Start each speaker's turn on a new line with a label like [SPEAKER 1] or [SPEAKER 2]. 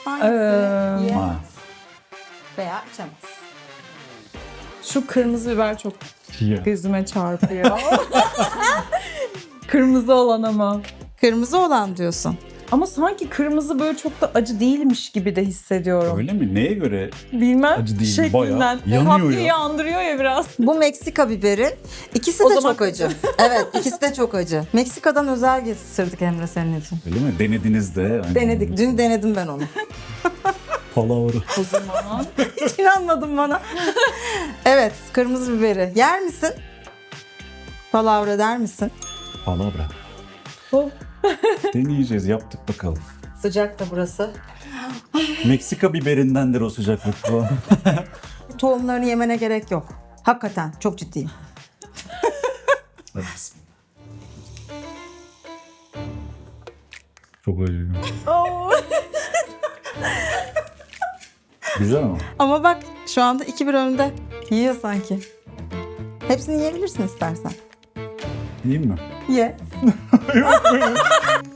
[SPEAKER 1] Hangisi? Yiyemez
[SPEAKER 2] Ha.
[SPEAKER 1] veya içemez.
[SPEAKER 3] Şu kırmızı biber çok
[SPEAKER 2] Ya.
[SPEAKER 3] gözüme çarpıyor. Kırmızı olan ama.
[SPEAKER 1] Kırmızı olan diyorsun.
[SPEAKER 3] Ama sanki kırmızı böyle çok da acı değilmiş gibi de hissediyorum.
[SPEAKER 2] Öyle mi? Neye göre?
[SPEAKER 3] Bilmem.
[SPEAKER 2] Acı değil,
[SPEAKER 3] Şeklinden.
[SPEAKER 2] bayağı yanıyor
[SPEAKER 3] Tatlıyı
[SPEAKER 2] ya.
[SPEAKER 3] andırıyor ya biraz.
[SPEAKER 1] Bu Meksika biberi. İkisi
[SPEAKER 3] O
[SPEAKER 1] de
[SPEAKER 3] zaman
[SPEAKER 1] çok acı. Evet, ikisi de çok acı. Meksika'dan özel getirdik Emre senin için.
[SPEAKER 2] Öyle mi? Denediniz de. Aynen.
[SPEAKER 1] Denedik. Dün denedim ben onu.
[SPEAKER 2] Palavra.
[SPEAKER 3] O zaman.
[SPEAKER 1] Hiç inanmadın bana. Evet, kırmızı biberi. Yer misin? Palavra der misin?
[SPEAKER 2] Palavra.
[SPEAKER 3] Oh.
[SPEAKER 2] Deneyeceğiz. Yaptık bakalım.
[SPEAKER 1] Sıcak da burası.
[SPEAKER 2] Meksika biberindendir o sıcaklık bu.
[SPEAKER 1] Tohumlarını yemene gerek yok. Hakikaten çok ciddiyim.
[SPEAKER 2] Hadi bismillah. Çok acıyor. Güzel ama.
[SPEAKER 1] Ama bak şu anda 2-1 önde. Yiyor sanki. Hepsini yiyebilirsin istersen.
[SPEAKER 2] Yiyeyim mi?
[SPEAKER 1] Ye.